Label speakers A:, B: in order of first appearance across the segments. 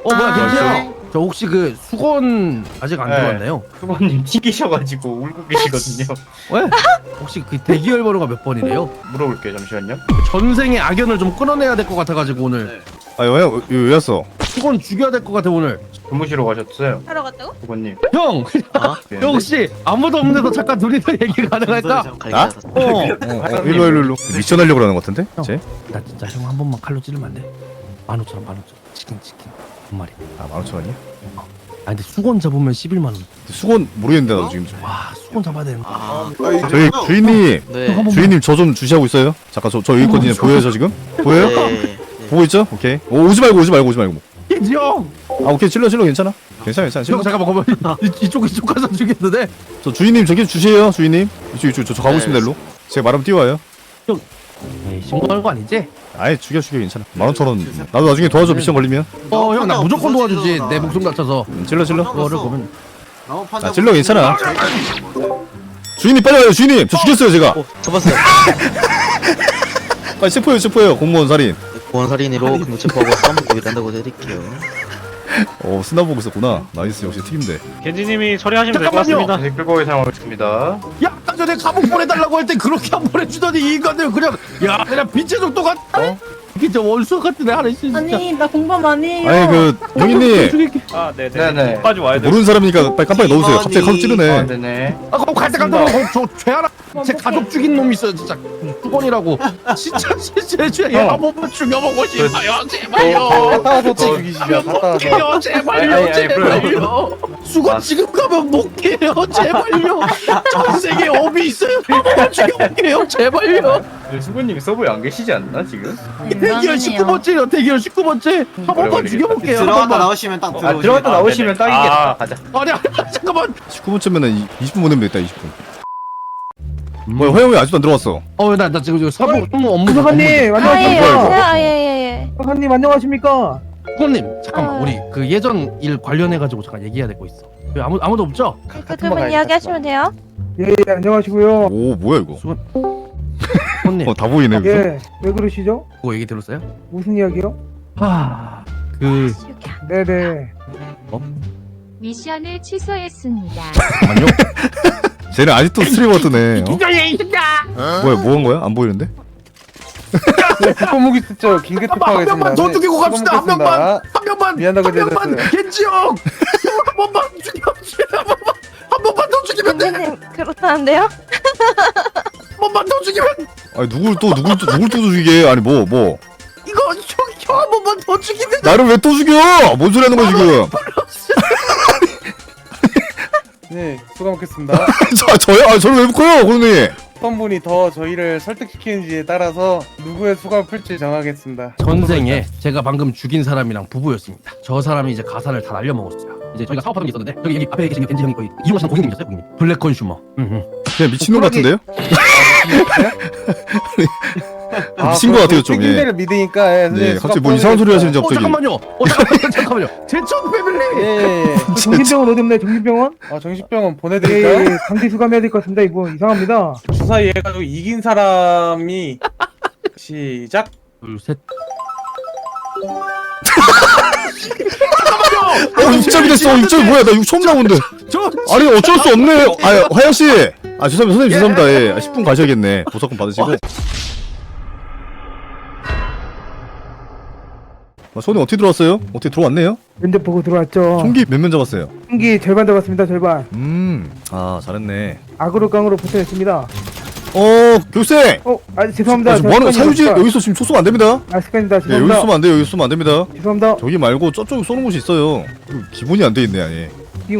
A: 뭐야 괜찮아.
B: 네.
A: 저 혹시 그 수건 아직 안
C: 네.
A: 들어왔나요?
C: 수건님 튕기셔가지고 울고 계시거든요.
A: 왜? 혹시 그 대기열 번호가 몇 번이래요?
C: 물어볼게요. 잠시만요.
A: 전생의 악연을 좀 끊어내야 될 것 같아가지고 오늘
B: 아 왜 왔어?
A: 수건 죽여야 될 것 같아 오늘.
C: 주무시러 가셨어요.
D: 하러 갔다고?
C: 수건님.
A: 형!
C: 네.
A: 형 혹시 아무도 없는 데서 잠깐 둘이서 얘기 가능할까?
B: 나?
A: 어.
B: 일로 미션 하려고 그러는 것 같은데? 쟤?
A: 나 진짜 형 한 번만 칼로 찌르면 안 돼? 15,000원 치킨 한 마리.
B: 아 15,000원이야?
A: 아 근데 수건 잡으면 11만원.
B: 수건 모르겠는데 나도 지금 좀.
A: 와 수건 잡아야 되는 거.
B: 저희 주인님
E: 네.
B: 주인님 저 좀 주시하고 있어요? 잠깐 저 여기 있거든요. 보여요 저 지금? 보여요?
E: 네.
B: 보고 있죠? 오케이. 오지 말고
A: 형!
B: 아 오케이 찔러 괜찮아? 괜찮아
A: 형
B: 찔러.
A: 잠깐만 이쪽 가서 죽겠는데?
B: 저 주인님 저기 주세요 주인님. 이쪽 저 가고 있습니다 일로. 제가 말하면 뛰어와요.
A: 에이 신고하는 거 아니지?
B: 아예 죽여 괜찮아. 15,000원. 나도 나중에 도와줘 미션 걸리면.
A: 형 나 무조건 도와주지 내 목숨 다쳐서.
B: 찔러.
A: 그거를 보면
B: 아 찔러 괜찮아. 주인님 빨리 와요 주인님. 저 죽였어요 제가.
E: 잡았어요.
B: 빨리 체포해요 공무원 살인.
E: 보안살인으로 근무 체포하고 싸움고 일한다고 해드릴게요.
B: 스나보고 있었구나. 나이스 역시 튀김대.
F: 겐지님이 처리하시면 될 것
A: 잠깐만요.
F: 같습니다.
C: 네, 끌고 사용하겠습니다.
A: 야 아까 전에 감옥 보내달라고 할 때 그렇게 안 보내주더니 이 인간들 그냥 그냥 빛의 속도가 진짜 원수 같은 애 하나 있어 진짜.
D: 아니 나 공범 아니에요.
B: 아니 그 영희님
A: 죽일게.
F: 아, 네네.
C: 네네.
F: 끝까지 와야 돼요.
B: 모르는 사람이니까 빨리 깜빡이 넣으세요. 갑자기 가서 찌르네.
C: 네네.
A: 아 그럼 갈때 저 죄하나 제 가족 죽인 놈 있어요 진짜 수건이라고. 진짜 얘한 번만 죽여보고 싶어요 제발요.
C: 갔다 와서 죽이시죠. 갔다 와서.
A: 못해요 제발요
C: 아니,
A: 제발요. 수건 지금 가면 못 깨요 제발요. 전생에 업이 있어요. 한 번만 죽여볼게요 제발요.
C: 수건님 서버에 안 계시지 않나 지금?
A: 대기열 19번째요 대기열 19번째. 한 번만 죽여볼게요. 한
G: 들어갔다
A: 번만.
G: 나오시면 딱 들어오시면
C: 들어갔다 나오시면
F: 네네.
C: 딱이겠다.
F: 아.
C: 가자.
A: 아니 잠깐만.
B: 19분쯤면은 20분 보내면 되겠다 20분. 뭐야 허영이 아직도 안 들어왔어.
A: 나 지금 사부 업무
H: 사관님
B: 뭐야,
H: 안녕하십니까?
D: 아예예예.
H: 사관님 안녕하십니까?
A: 사부님 잠깐만
C: 아.
A: 우리 그 예전 일 관련해 가지고 잠깐 얘기해야 될 거 있어. 그 아무도 없죠?
D: 그러면 이야기하시면 돼요.
H: 예 안녕하시고요.
B: 오 뭐야 이거.
A: 사부님
B: 다 보이네 여기서.
H: 왜 그러시죠?
A: 그거 얘기 들었어요?
H: 무슨 이야기요?
A: 그
H: 네네.
I: 미션을 취소했습니다.
A: 잠깐만요.
B: 쟤는 아직도 스트리머 뜨네.
A: 기자예 이 새끼야.
B: 뭐야 뭐 한 거야? 안 보이는데?
H: 국무기 쓰죠. 긴급
A: 한 명만 더 죽이고 갑시다. 한 명만
H: 미안하게
A: 한 명만 겐지 형. 한 번만 죽여주세요. 한 번만 더 죽이면 돼.
D: 선생님 그렇다는데요?
A: 한 번만 더 죽이면
B: 아니 누굴 또 죽이게? 아니 뭐
A: 이거 형 한 번만 더 죽이면
B: 나를 왜 또 죽여? 뭔 소리 하는 거야 지금?
H: 네 수고하겠습니다.
B: 저요? 아 저를 왜 묶어요 고객님?
H: 어떤 분이 더 저희를 설득시키는지에 따라서 누구의 수감을 풀지 정하겠습니다.
A: 전생에 제가 방금 죽인 사람이랑 부부였습니다. 저 사람이 이제 가산을 다 날려먹었어요. 이제 저희가 사업하는 게 있었는데 저기 여기 앞에 계신 겐지 형이 거의 이용하시는 고객님이셨어요 고객님. 블랙 컨슈머.
B: 그냥 미친놈 같은데요? 미친 거 같아요 좀. 예.
H: 책임대를 믿으니까
B: 네 갑자기 뭐 이상한 소리 하시는지 갑자기.
A: 잠깐만요. 제천 패밀리.
H: 예. 정신병원 어디 없나요? 정신병원? 정신병원 보내드릴까요? 예, 강제 수감해야 될 것 같습니다. 이거 이상합니다. 주사 이해가지고 이긴 사람이 시작.
A: 둘 셋.
B: 입장이 됐어. 입장이 뭐야? 나 이거 처음 나오는데. 아니 어쩔 수 없네. 아 화영 씨. 아 죄송합니다 선생님 죄송합니다. 예. 10분 가셔야겠네. 보석금 받으시고. 손에 어떻게 들어왔어요? 어떻게 들어왔네요?
H: 면접 보고 들어왔죠.
B: 총기 몇 명 잡았어요?
H: 총기 절반 잡았습니다. 절반.
B: 아 잘했네.
H: 악으로 깡으로 붙여냈습니다.
B: 교육생.
H: 죄송합니다.
B: 뭐하는 사유지 여기서 지금 소송 안 됩니다.
H: 습관입니다.
B: 예,
H: 죄송합니다.
B: 여기 쏘면 안 돼요. 여기 쏘면 안 됩니다.
H: 죄송합니다.
B: 저기 말고 저쪽에 쏘는 곳이 있어요. 기본이 안 돼 있네 아니.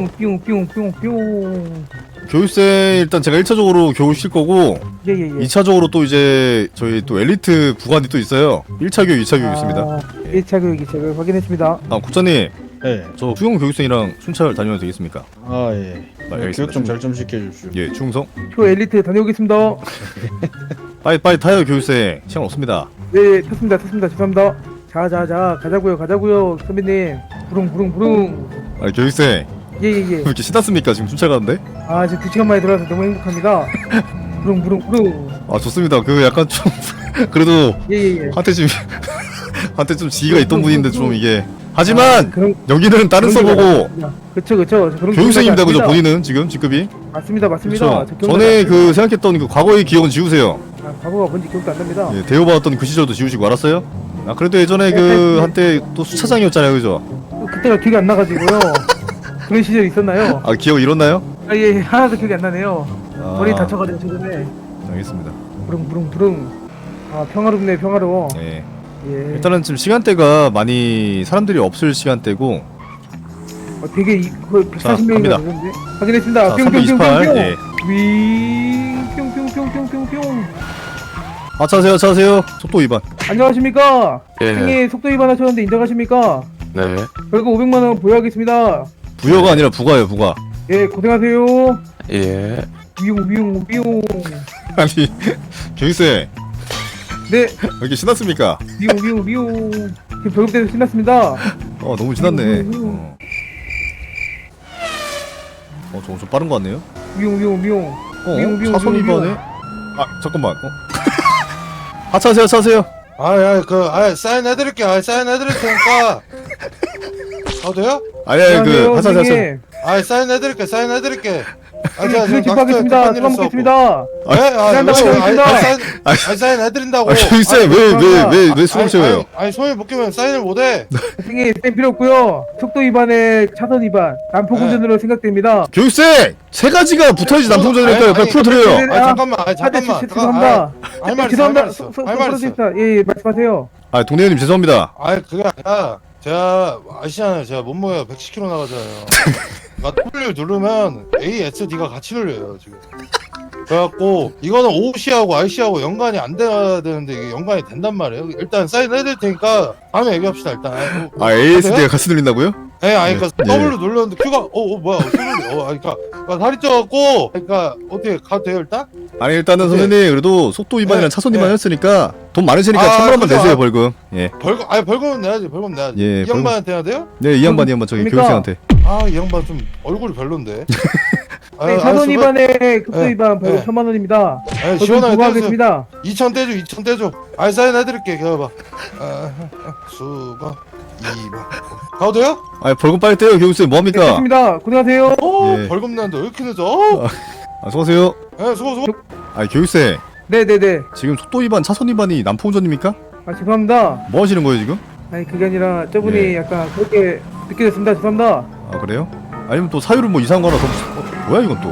H: 뿅뿅뿅뿅뿅.
B: 교육생 일단 제가 1차적으로 교육 실 거고
H: 예예예.
B: 2차적으로 또 이제 저희 또 엘리트 구간이 또 있어요. 1차 교육, 2차 교육 있습니다.
H: 1차 교육, 2차 교육 확인했습니다.
B: 국장님.
F: 네.
B: 저 수영 교육생이랑 순찰 다녀도 되겠습니까?
F: 아, 예.
B: 알겠습니다.
F: 교육 좀 잘 좀 시켜주십시오.
B: 예, 충성.
H: 초 엘리트 다녀오겠습니다.
B: 빨리 타요 교육생. 시간 없습니다.
H: 네, 탔습니다. 죄송합니다. 자, 가자고요, 선배님. 부릉.
B: 아니 교육생
H: 예.
B: 왜 이렇게 신났습니까? 지금 순찰 가는데?
H: 지금 2시간 만에 들어와서 너무 행복합니다. 부릉.
B: 아 좋습니다. 그 약간 좀 그래도
H: 예.
B: 한테 좀 지위가 있던 분인데 좀 이게 하지만
H: 그런
B: 여기는 다른
H: 그런 게
B: 서버고
H: 그쵸 저 그런
B: 교육생입니다, 그죠?
H: 기억이 안
B: 본인은 지금 직급이.
H: 맞습니다 맞습니다.
B: 그렇죠.
H: 저 기억나지
B: 전에
H: 않습니다.
B: 그 생각했던 그 과거의 기억은 지우세요.
H: 과거가 뭔지 기억도 안 납니다.
B: 예, 대우받았던 그 시절도 지우시고 알았어요? 아 그래도 예전에 그
H: 네.
B: 한때 또 수차장이었잖아요, 그죠?
H: 그때가 기억이 안 나가지고요. 그런 시절이 있었나요?
B: 아 기억 잃었나요?
H: 예, 하나도 기억이 안 나네요.
B: 아,
H: 머리 다쳐가지고 최근에
B: 알겠습니다.
H: 부릉부릉. 아 평화롭네 평화로워.
B: 예.
H: 예.
B: 일단은 지금 시간대가 많이 사람들이 없을 시간대고.
H: 되게 그
B: 자,
H: 140명인가
B: 갑니다.
H: 되는데 확인했습니다.
B: 자, 328. 예.
H: 윙 뿅뿅뿅뿅뿅뿅.
B: 하차하세요, 차세요. 속도 위반.
H: 안녕하십니까?
G: 예.
H: 형님 속도 위반 하셨는데 인정하십니까?
G: 네.
H: 결국 500만 원 부여하겠습니다.
B: 부여가 아니라 부가예요, 부가.
H: 예 고생하세요.
G: 예.
H: 위용.
B: 아니 교육생
H: 네
B: 왜 이렇게 신났습니까?
H: 위용. 지금 벌금때도 신났습니다.
B: 너무 신났네. 좀 빠른 거 같네요.
H: 위용. 미용,
B: 차선
H: 미용,
B: 위반에? 아 잠깐만. 하차하세요, 차세요.
I: 사인해드릴게요. 사인해드릴 테니까. 돼요?
B: 아니 그 하차하세요.
H: 선생님.
I: 사인해드릴게.
H: 그래 집하겠습니다. 수고 먹겠습니다.
I: 사인해드린다고.
B: 교육생 왜 수업 채워요?
I: 아니, 손에 못 끼면 사인을 못해.
H: 선생님 쌤 필요 없고요. 속도 위반에 차선 위반, 난폭 운전으로 생각됩니다.
B: 교육생 세 가지가 붙어야지 남성전이니까요. 빨리 풀어드려요.
I: 잠깐만.
H: 죄송합니다.
I: 할 말
H: 죄송합니다.
I: 있어.
H: 예 말씀하세요.
B: 아 동네 형님 죄송합니다.
I: 그게 아니라 제가 아시잖아요. 제가 몸무게가 110kg 나가잖아요. 그러니까 W를 누르면 A, S, D가 같이 눌려요 지금. 그래갖고 이거는 OC하고 IC하고 연관이 안 돼야 되는데 이게 연관이 된단 말이에요. 일단 사인해드릴 테니까 다음에 얘기합시다 일단.
B: ASD가 같이 들린다고요?
I: 그러니까
B: 예.
I: W 눌렀는데 Q가 뭐야? 그러니까 다리 쪄갖고 그러니까 어떻게 가도 돼요 일단?
B: 아니 일단은
I: 네.
B: 선생님 그래도 속도 위반이랑
I: 네.
B: 차선 위반이었으니까 돈 많으시니까
I: 아,
B: 1,000원 만
I: 그죠?
B: 내세요 벌금. 예.
I: 벌금은 내야지. 벌금 내야지.
B: 예,
I: 이 양반한테 해야 돼요?
B: 네, 이 양반 저기
H: 그러니까.
B: 교육생한테.
I: 이 양반 좀 얼굴이 별론데.
H: 네, 차선 위반에 속도
I: 네.
H: 위반 벌금
I: 네.
H: 1,000만 원입니다.
I: 시원하게 떼주세요.
H: 부과하겠습니다.
I: 2,000 떼줘. 사인해드릴게. 기다려봐. 수가 2번. 가도 돼요?
B: 아 벌금 빨리 떼요 교육생 뭐합니까?
H: 됐습니다. 고생하세요.
B: 예.
I: 벌금 내는데 왜 이렇게 늦어?
B: 수고하세요.
I: 수고.
B: 아 교육생
H: 네네네.
B: 지금 속도 위반 차선 위반이 남포운전입니까?
H: 죄송합니다.
B: 뭐 하시는 거예요 지금?
H: 아니 그게 아니라 저분이
B: 예.
H: 약간 그렇게 느껴졌습니다. 죄송합니다.
B: 아 그래요? 아니면 또 사유를 뭐 이상한 거 하나 더 뭐야 이건 또?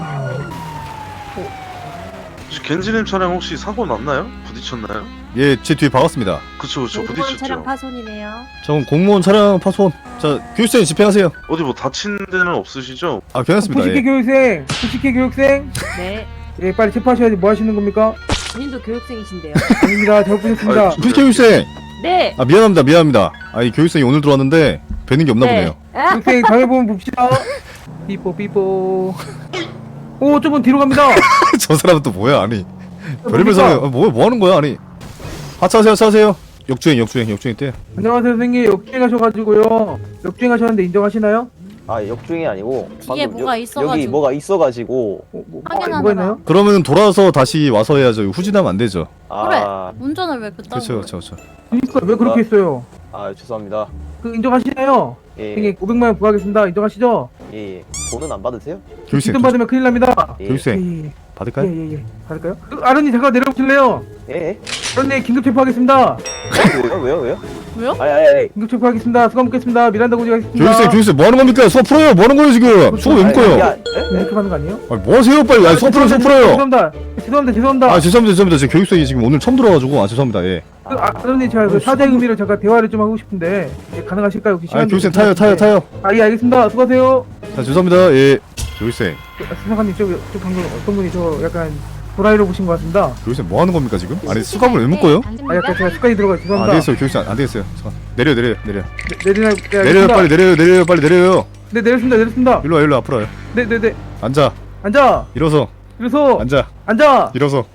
G: 혹시 겐지님 차량 혹시 사고 났나요? 부딪혔나요?
B: 예, 제 뒤에 박았습니다.
G: 그쵸
D: 차량
G: 부딪혔죠.
D: 파손이네요.
B: 저건 공무원 차량 파손. 자 교육생 집행하세요.
G: 어디 뭐 다친 데는 없으시죠?
B: 아 괜찮습니다.
H: 부식회
B: 예.
H: 교육생, 부식회 교육생.
D: 네.
H: 예, 빨리 체포하셔야지. 뭐 하시는 겁니까?
D: 본인도 교육생이신데요.
H: 아닙니다. 잘못 보셨습니다.
G: 아이,
B: 부식 교육생.
D: 네.
B: 아 미안합니다. 아이 교육생이 오늘 들어왔는데 뵈는 게 없나 보네요.
H: 교육생 다음에 보면 봅시다. 삐뽀. 오, 저분 뒤로 갑니다.
B: 저 사람은 또 뭐야 아니 별의별
H: 뭡니까?
B: 사람 뭐 하는 거야 아니 하차하세요 역주행 때
H: 안녕하세요, 선생님. 역주행하셔가지고요. 역주행하셨는데 인정하시나요?
J: 역주행이 아니고
D: 뒤에
J: 방금
D: 뭐가 있어가지고.
J: 여기 뭐가 있어가지고
D: 확인하느라.
H: 뭐가 있나요?
B: 그러면 돌아서 다시 와서 해야죠. 후진하면 안 되죠.
D: 운전을 왜 그딴
B: 그렇죠
H: 그러니까 왜 그렇게 했어요?
J: 죄송합니다.
H: 그 인정하시나요? 선생님 500만 원 부과하겠습니다. 인정하시죠?
J: 예. 돈은 안 받으세요?
B: 교육생
H: 돈 받으면 큰일 납니다.
B: 교육생
H: 예.
B: 받을까요?
H: 예. 받을까요? 아른이 잠깐 내려오실래요?
J: 예.
H: 아른이 긴급 체포하겠습니다.
J: 왜요?
D: 왜요?
J: 아니.
H: 긴급 체포하겠습니다. 수감 묻겠습니다. 미란다 고지 하겠습니다.
B: 교육생 뭐 하는 겁니까? 수업 풀어요. 뭐 하는 거예요 지금? 수업 왜 묶어요?
H: 이렇게 하는 거 아니에요?
B: 아니 뭐 하세요 빨리? 아니 수업 풀어요.
H: 죄송합니다.
B: 아 죄송합니다. 제 교육생이 지금 오늘 처음 들어와가지고 죄송합니다. 예.
H: 아른이 제가 그 사죄 의미로 잠깐 대화를 좀 하고 싶은데 가능하실까요? 혹시
B: 아
H: 시간
B: 교육생
H: 좀
B: 타요.
H: 예, 알겠습니다. 수고하세요.
B: 자 죄송합니다. 예. 교육생
H: 수사관님 저 방금 어떤 분이 저 약간 도라이로 보신 것 같습니다.
B: 교육생 뭐 하는 겁니까 지금? 아니 수감을 왜 묶어요?
H: 약간 제가 습관이 들어가
B: 안
H: 죄송합니다.
B: 되겠어요 교육생 안 되겠어요. 잠깐. 내려.
H: 내리나
B: 빨리 내려요.
H: 네 내렸습니다.
B: 일로 와 앞으로 와요.
H: 네네네.
B: 앉아. 일어서. 앉아. 일어서.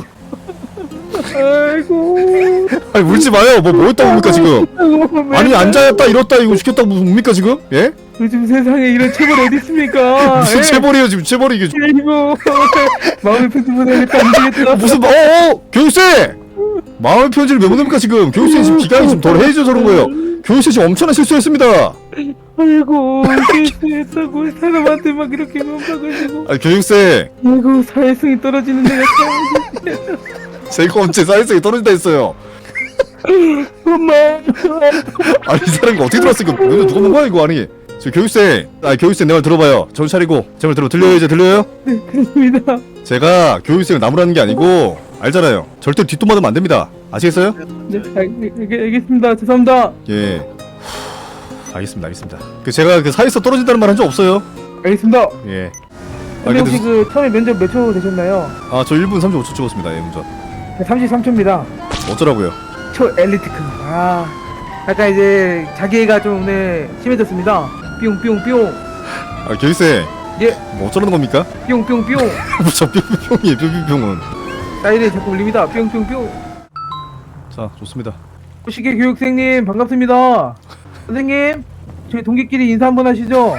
H: 아이고.
B: 아니 울지 마요. 뭐 했다고 뭡니까 지금? 아니 앉아였다 일었다 이거 시켰다고 뭡니까 지금? 예?
H: 요즘 세상에 이런 체벌 어디 있습니까?
B: 무슨 체벌이에요 지금 체벌이 이게
H: 이거 마음의 편지 보내야겠다 안 되겠다.
B: 무슨 교육생 마음의 편지를 왜 보냅니까 지금? 교육생 지금 기강이 지금 덜 해줘서 그런 거예요. 교육생 지금 엄청난 실수했습니다.
H: 아이고 실수했다고 사람한테 막 이렇게 넘어가가지고
B: 아니 교육생
H: 아이고 사회성이 떨어지는 내가
B: 제가 언제 사회성이 떨어진다 했어요.
H: 엄마
B: 아니 이 사람이 어떻게 들었어 이거? 너네 누가 본 거야 이거? 아니 저 교육생 교육생 내 말 들어봐요. 정신 차리고 제 말 들려요 이제 들려요?
H: 네 그렇습니다.
B: 제가 교육생을 나무라는 게 아니고 알잖아요. 절대 뒷돈 맞으면 안 됩니다. 아시겠어요?
H: 네 알겠습니다. 죄송합니다.
B: 예. 알겠습니다. 그 제가 그 사회에서 떨어진다는 말 한 적 없어요.
H: 알겠습니다.
B: 예.
H: 근데 혹시 그 처음에 면접 몇 초 되셨나요?
B: 저 1분 35초 찍었습니다. 예, 운전.
H: 33초입니다.
B: 어쩌라고요?
H: 초 엘리트급. 약간 이제 자기애가 좀 오늘 심해졌습니다. 뿅뿅뿅.
B: 교육생.
H: 예.
B: 뭐 어쩌라는 겁니까?
H: 뿅뿅뿅.
B: 저 뿅뿅뿅이에요. 뿅뿅뿅은.
H: 사이렌 자꾸 울립니다. 뿅뿅뿅.
B: 자, 좋습니다.
H: 시계 교육생님 반갑습니다. 선생님 저희 동기끼리 인사 한번 하시죠.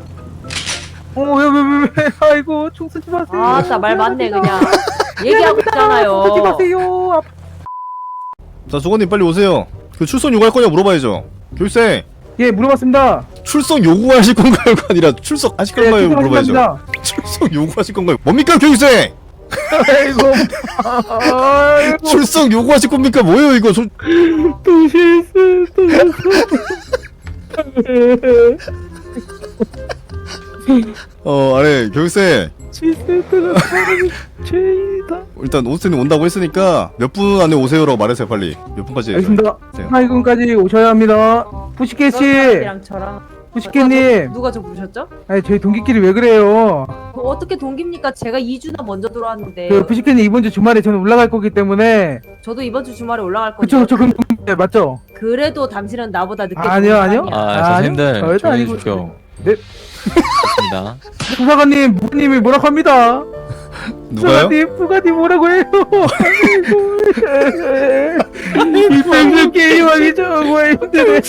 H: 왜 아이고 총 쓰지 마세요.
D: 아따 말 맞네 그냥. 얘기하고 있잖아요.
H: 쓰지 마세요.
B: 자, 조건님 빨리 오세요. 그 출석 요구할 거냐 물어봐야죠. 교육생.
H: 예 물어봤습니다.
B: 출석 요구하실 건가요가 아니라 출석하실 건가요? 물어봐야죠.
H: 출석합니다.
B: 출석 요구하실 건가요? 뭡니까 교육생?
H: 아이고
B: 출석 요구하실 겁니까? 뭐예요 이거?
H: 또 실수.
B: 아니 교육생.
H: 실수했다가 죄다.
B: 일단 오스님 온다고 했으니까 몇 분 안에 오세요라고 말하세요 빨리. 몇 분까지?
H: 알겠습니다.
B: 네.
H: 8분까지 오셔야 합니다. 푸시케 씨,
D: 사람이랑 저랑.
H: 푸시케님.
D: 누가 저 부르셨죠?
H: 아니 저희 동기끼리 왜 그래요?
D: 어떻게 동기입니까? 제가 2주나 먼저 들어왔는데.
H: 그 푸시케님 이번 주 주말에 저는 올라갈 거기 때문에.
D: 저도 이번 주 주말에 올라갈 건데.
H: 그쵸 그럼 동기 맞죠?
D: 그래도 당신은 나보다 늦게.
H: 아니요.
K: 선생님들
H: 절대
K: 조용히
H: 아니고.
K: 해주십시오.
H: 네.
K: 좋습니다.
H: 부사관님, 부님이 뭐라고 합니다.
B: 누가요?
H: 부가님 뭐라고 해요? 이 뺑글 게임하기 정말 힘드네.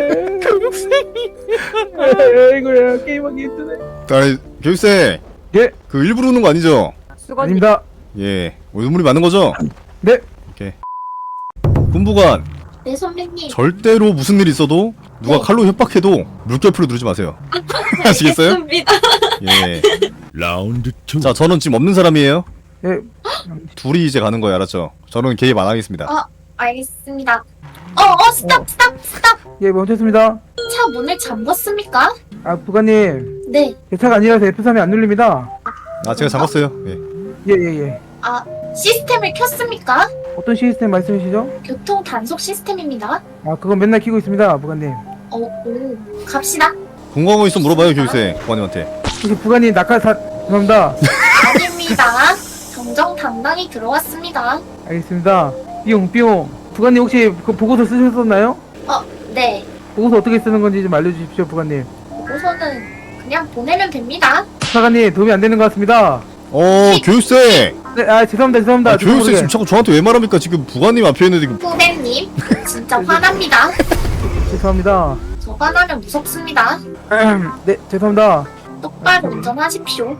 H: 아이고야 게임하기 힘드네.
B: 아니 교육생.
H: 예.
B: 그 일부러 우는 거 아니죠?
D: 수건님.
H: 아닙니다.
B: 예. 눈물이 많은 거죠?
H: 네.
B: 오케이. 군부관.
L: 네 선배님.
B: 절대로 무슨 일 있어도 누가 칼로 협박해도 물결표로 누르지 마세요. 아시겠어요?
L: 알겠습니다.
B: 예. 라운드 2. 자, 저는 지금 없는 사람이에요.
H: 예.
B: 둘이 이제 가는 거예요, 알았죠? 저는 개입 안 하겠습니다.
L: 알겠습니다. 스탑.
H: 예, 멈췄습니다.
L: 차 문을 잠궜습니까?
H: 부가님.
L: 네.
H: 제 차가 아니라서 F3이 안 눌립니다.
B: 제가 잡았어요. 예.
H: 예.
L: 시스템을 켰습니까?
H: 어떤 시스템 말씀이시죠?
L: 교통 단속 시스템입니다.
H: 그건 맨날 키고 있습니다, 부가님.
L: 갑시다.
B: 궁금한 거 있으면 물어봐요, 교육생. 부관님한테.
H: 혹시 부가님 죄송합니다.
L: 아닙니다. 정정당당히 들어왔습니다.
H: 알겠습니다. 뿅. 부가님 혹시 그 보고서 쓰셨었나요?
L: 네.
H: 보고서 어떻게 쓰는 건지 좀 알려주십시오, 부가님.
L: 보고서는 그냥 보내면 됩니다.
H: 부사관님 도움이 안 되는 것 같습니다.
B: 교육생!
H: 네, 죄송합니다.
B: 교육생 지금 자꾸 저한테 왜 말합니까? 지금 부관님 앞에 있는데 지금.
L: 후배님, 진짜 화납니다.
H: 죄송합니다.
L: 저 화나면 무섭습니다.
H: 네, 죄송합니다.
L: 똑바로 운전하십시오.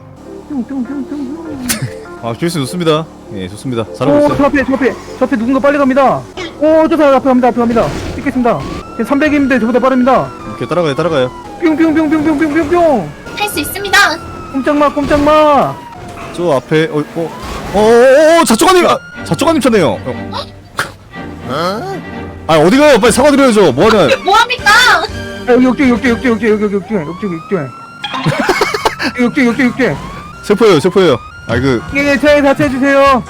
B: 교육생 좋습니다. 예, 좋습니다.
H: 저
B: 잘하고 있어요.
H: 앞에 누군가 빨리 갑니다. 저 사람 앞에 갑니다. 찍겠습니다. 지금 300인데 저보다 빠릅니다.
B: 이렇게 따라가요.
H: 뿅.
L: 할 수 있습니다.
H: 꼼짝마.
B: 저 앞에, 자초가님 차네요. 어디 가요? 빨리 사과드려야죠. 뭐하냐.
L: 뭐합니까?
H: 역주행. 역주행.
B: 세포예요.
H: 예, 차에 다쳐주세요.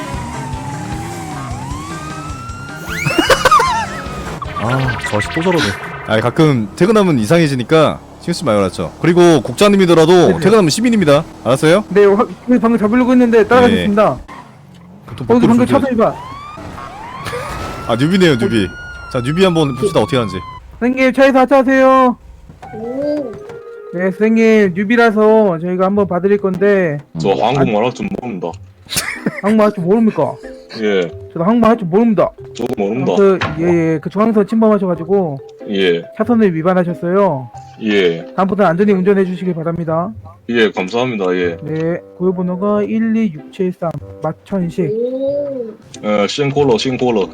B: 저 아저씨 또 저러네. 가끔 퇴근하면 이상해지니까 신경 쓰지 마요, 알았죠? 그리고 국장님이더라도
H: 네네.
B: 퇴근하면 시민입니다. 알았어요?
H: 네, 방금 잡으려고 했는데 따라가겠습니다. 거기서 방금 차도 해봐.
B: 뉴비네요, 뉴비. 자, 뉴비 한번 봅시다, 어떻게 하는지.
H: 선생님, 차에서 하차하세요.
L: 오.
H: 네, 선생님, 뉴비라서 저희가 한번 봐드릴 건데.
G: 저 한국말 할 줄 모릅니다.
H: 한국말 할 줄 모릅니까?
G: 예,
H: 저도 한국말 할 줄 모릅니다.
G: 저도 모릅니다.
H: 그 중앙선 침범하셔가지고
G: 예.
H: 차선을 위반하셨어요.
G: 예.
H: 다음부터는 안전히 운전해 주시길 바랍니다.
G: 예, 감사합니다. 예.
H: 네, 고유번호가 12673 마천식.
L: 오.
G: 싱콜러, 싱콜러.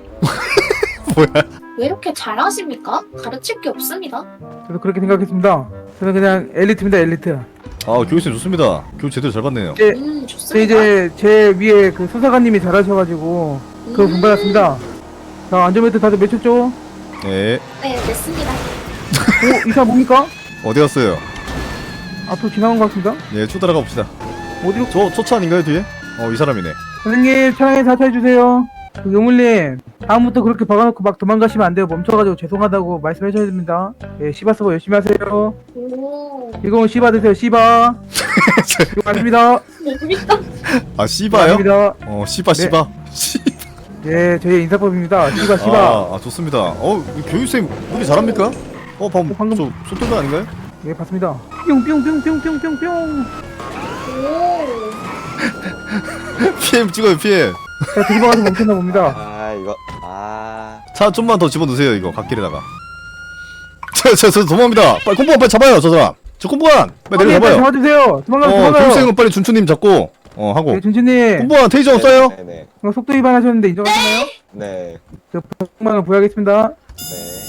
L: 왜 이렇게 잘하십니까? 가르칠 게 없습니다.
H: 저도 그렇게 생각했습니다. 저는 그냥 엘리트입니다, 엘리트.
B: 아 교육생 좋습니다. 교육 제대로 잘 받네요.
H: 네,
L: 좋습니다.
H: 이제 제 위에 그 수사관님이 잘하셔가지고 그거 본받았습니다. 자, 안전벨트 다들 매쳤죠?
B: 네.
L: 네, 됐습니다.
H: 오, 이 사람 뭡니까?
B: 어디 갔어요?
H: 앞으로 지나간 것 같습니다.
B: 예, 쭉 따라가 봅시다.
H: 어디로?
B: 저 차 아닌가요 뒤에? 이 사람이네.
H: 선생님, 차량에 사차해주세요. 그 용물님, 다음부터 그렇게 박아놓고 막 도망가시면 안 돼요. 멈춰가지고 죄송하다고 말씀해줘야 됩니다. 예, 시바 서버 열심히 하세요.
L: 오.
H: 이거 시바 드세요, 시바. 이거 맞습니다.
L: 뭡니까?
B: 아 씨바요?
H: 맞습니다.
B: 씨바
H: 네.
B: 씨바.
H: 예, 저희 인사법입니다. 시바, 시바.
B: 아 좋습니다. 이 교육생 우리 잘합니까? 방금 저 쏟던 거 아닌가요?
H: 예, 봤습니다. 뿅뿅뿅뿅뿅뿅뿅.
L: 오.
B: PM 찍어요 PM.
H: 자, 뒤집어가서 멈췄나 봅니다.
J: 아 이거
B: 차 좀만 더 집어넣으세요 이거 갓길에다가. 저 도망갑니다. 빨리 콤보관 빨리 잡아요 저 사람. 저 콤보관 빨리
H: 빨리
B: 내려잡아요.
H: 잡아주세요. 도망가요.
B: 교육생은 빨리 준추님 잡고 하고.
H: 네, 준치님.
B: 콤보관 테이저 없어요?
J: 네네.
H: 속도 위반하셨는데 인정하시나요?
J: 네.
H: 저 100만원 부여하겠습니다.
J: 네.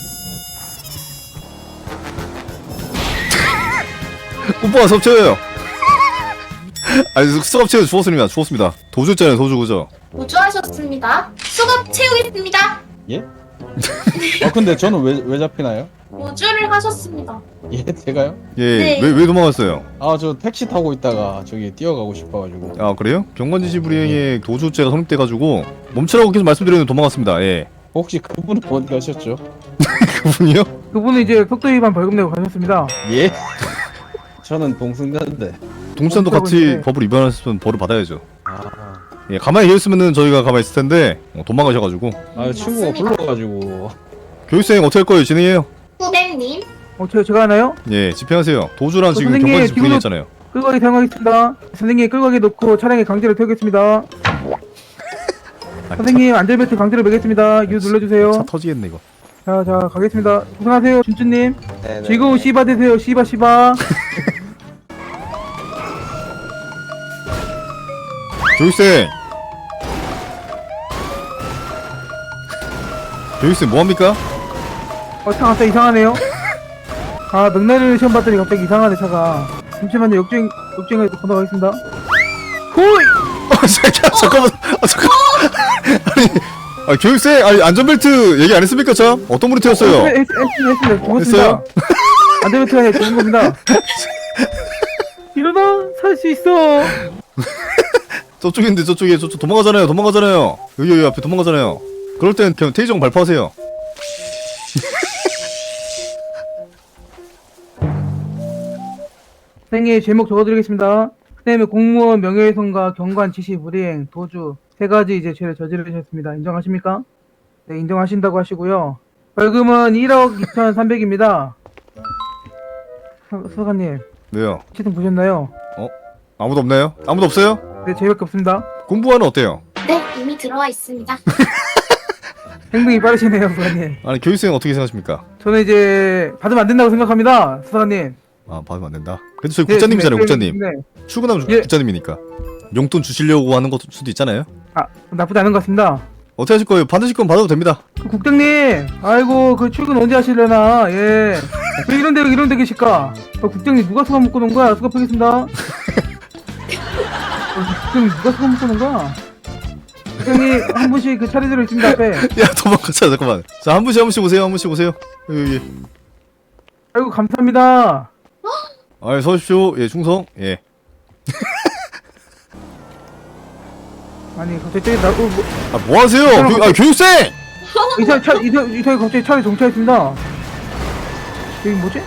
B: 콤보관 섭취해요. 아니 수갑 주웠습니다. 주웠습니다. 도주했잖아요 도주 그죠?
L: 우주하셨습니다. 수갑 채우겠습니다.
F: 근데 저는 왜 잡히나요?
L: 우주를 하셨습니다.
F: 예, 제가요?
B: 예.
L: 네.
B: 왜 도망갔어요?
F: 저 택시 타고 있다가 저기 뛰어가고 싶어가지고.
B: 아 그래요? 경관지시 불이행에 도주죄가 성립돼가지고 멈추라고 계속 말씀드렸는데 도망갔습니다. 예.
F: 혹시 그분은 어디 가셨죠?
B: 그분이요?
H: 그분은 이제 속도 위반 벌금 내고 가셨습니다.
F: 예? 저는 동승자인데.
B: 동시산도 같이
H: 있는데.
B: 법을 위반했으면 벌을 받아야죠.
F: 아,
B: 예, 가만히 계셨으면은 저희가 가만히 있을 텐데 도망가셔가지고.
F: 친구가
L: 맞습니다.
F: 불러가지고.
B: 교육생 어떻게 할 거예요? 진행해요.
L: 후배님.
H: 제가 하나요?
B: 예, 집행하세요. 도주란 지금
H: 선생님,
B: 경관지시
H: 지금은-
B: 불이행했잖아요.
H: 끌고 가게 사용하겠습니다. 선생님 끌고 가게 놓고 차량에 강제로 태우겠습니다. 선생님 안전벨트 강제로 매겠습니다. 유 눌러주세요.
B: 차 터지겠네 이거.
H: 자 가겠습니다. 고생하세요 준주님.
J: 네네.
H: 즐거운 시바 되세요. 시바 시바.
B: 교육생. 교육생 뭐합니까?
H: 차 갑자기 이상하네요. 맥라렌 시험 봤더니 갑자기 이상하네 차가. 잠시만요. 역주행을 건너가겠습니다. 호이!
B: 잠깐만. 아니, 교육생, 안전벨트 얘기 안 했습니까, 참? 어떤 분이 태웠어요?
H: 했습니다. 죽었습니다.
B: 했어요?
H: 안전벨트가 아니라 죽은 겁니다. 일어나! 살 수 있어!
B: 저쪽인데, 저쪽 도망가잖아요. 여기 앞에 도망가잖아요. 그럴 땐 그냥 테이저공 발포하세요.
H: 선생님 제목 적어드리겠습니다. 선생님의 공무원 명예훼손과 경관 지시 불이행, 도주 세 가지 이제 죄를 저지르셨습니다. 인정하십니까? 네, 인정하신다고 하시고요. 벌금은 1억 2,300입니다. 수사관님,
B: 왜요?
H: 시팅 보셨나요?
B: 아무도 없나요? 아무도 없어요?
H: 네, 저희밖에 없습니다.
B: 공부하는 어때요?
L: 네, 이미 들어와 있습니다.
H: 행동이 빠르시네요, 수사관님.
B: 아니, 교육생은 어떻게 생각하십니까?
H: 저는 이제 받으면 안 된다고 생각합니다, 수사관님.
B: 받으면 안 된다. 그래도 저희 국장님이잖아요, 국장님.
H: 네.
B: 출근하면
H: 예.
B: 국장님이니까. 용돈 주시려고 하는 것 수도 있잖아요.
H: 나쁘지 않은 것 같습니다.
B: 어떻게 하실 거예요? 받으실 건 받아도 됩니다.
H: 국장님, 아이고 그 출근 언제 하시려나? 예. 왜 이런 데 계실까? 국장님 누가 수갑 묶어 놓은 거야? 수갑하겠습니다. 국장님 누가 수갑 묶어 놓은 거야? 국장님 한 분씩 그 차례대로 있습니다 앞에.
B: 야, 도망가자, 잠깐만. 자, 한 분씩 오세요. 여기.
H: 아이고 감사합니다.
B: 서십시오. 예, 충성. 예.
H: 아니 갑자기 뭐
B: 뭐 하세요? 교육생!
H: 이 사람이 갑자기 차에 정차했습니다. 여기 뭐지?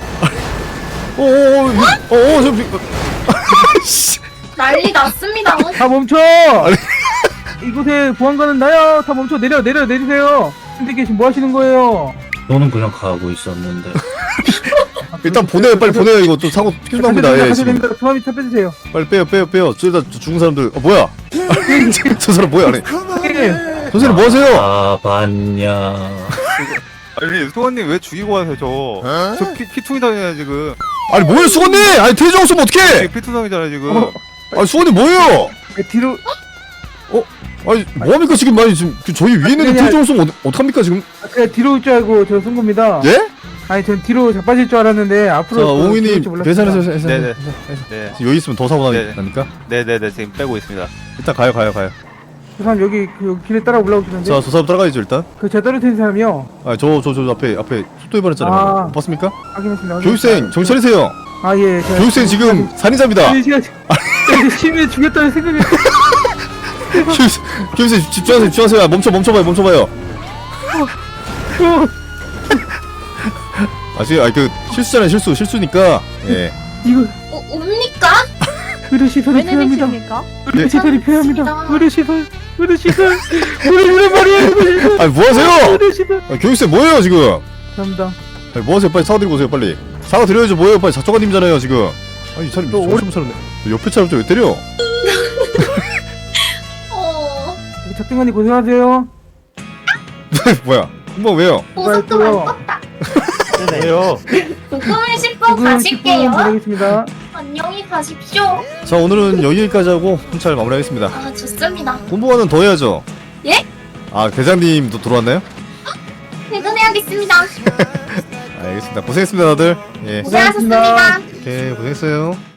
L: 난리 났습니다.
H: 다 멈춰! 이곳에 보안관은 나야. 다 멈춰. 내리세요. 근데 계신 뭐 하시는 거예요?
K: 저는 그냥 가고 있었는데.
B: 일단 보내요, 빨리 보내요. 이거 또 사고 필요합니다. 예, 지금.
H: 수감이 차 빼주세요.
B: 빨리 빼요. 저기다 죽은 사람들. 뭐야? 저 사람 뭐야? 아니.
H: 선생님,
B: 선생님 뭐 하세요?
K: 봤냐.
M: 아니 수건님 왜 죽이고 가세요 저 피투이당이잖아요 지금.
B: 아니 뭐야 수건님! 아니 퇴장 없으면 어떡해!
M: 피투당이잖아요 지금.
B: 아니 수건님 뭐예요?
H: 뒤로
B: 아니 뭐합니까 지금? 아니 지금 저희 위에 있는데 퇴장 없으면 어떡합니까 지금?
H: 그냥 뒤로 올 줄 알고 저 쏜 겁니다.
B: 예?
H: 아니 전 뒤로 자빠질 줄 알았는데 앞으로
B: 자
H: 또
B: 옹이님
H: 뒤로 올줄 몰랐습니다.
B: 계산해서 해서
M: 네네.
B: 해서.
M: 네.
B: 여기 있으면 더 사고
M: 네.
B: 나니까
M: 네네네 지금 빼고 있습니다.
B: 일단 가요.
H: 저 사람 여기 그 길에 따라 올라오시는데
B: 자 저 사람 따라가야죠 일단.
H: 그 제가 떨어뜨린 사람이요.
B: 저 앞에 속도 위반했잖아요.
H: 아.
B: 봤습니까?
H: 확인했습니다.
B: 교육생 정신 차리세요.
H: 아 예.
B: 교육생 지금 살인자입니다.
H: 아니 제가 시민을 죽였다는 생각이
B: 교육생 집중하세요. 멈춰봐요. 그 실수잖아요 실수니까 예.
H: 이거
L: 옵니까?
H: 의료 시설이 필요합니다.
D: 내리십니까?
H: 의료 시설이 필요합니다.
L: 알겠습니다.
H: 의료 시설 말이에요.
B: 아니 뭐하세요?
H: 의료 시설.
B: 교육생 뭐예요 지금?
H: 감사합니다.
B: 아니 뭐하세요? 빨리 사과 드리고 오세요 빨리. 사과 드려야죠. 뭐예요? 빨리 작정관님이잖아요 지금. 아니 이 사람이 정신 못 차렸네. 옆에 사람 왜 때려?
H: 작정관님 고생하세요.
B: 뭐야? 금방 왜요?
L: 보석금 안 떴다.
B: 왜요?
L: 부금을 씹고
H: 지금 10분
L: 가실게요.
H: 보내겠습니다.
L: 안녕히 가십시오.
B: 자 오늘은 여기까지 하고 훈찰 마무리하겠습니다.
L: 아, 좋습니다.
B: 공부하는 더 해야죠.
L: 예?
B: 아 대장님도 들어왔나요?
L: 퇴근해야겠습니다.
B: 알겠습니다. 고생했습니다 다들. 예.
L: 고생하셨습니다.
B: 오케이 고생했어요.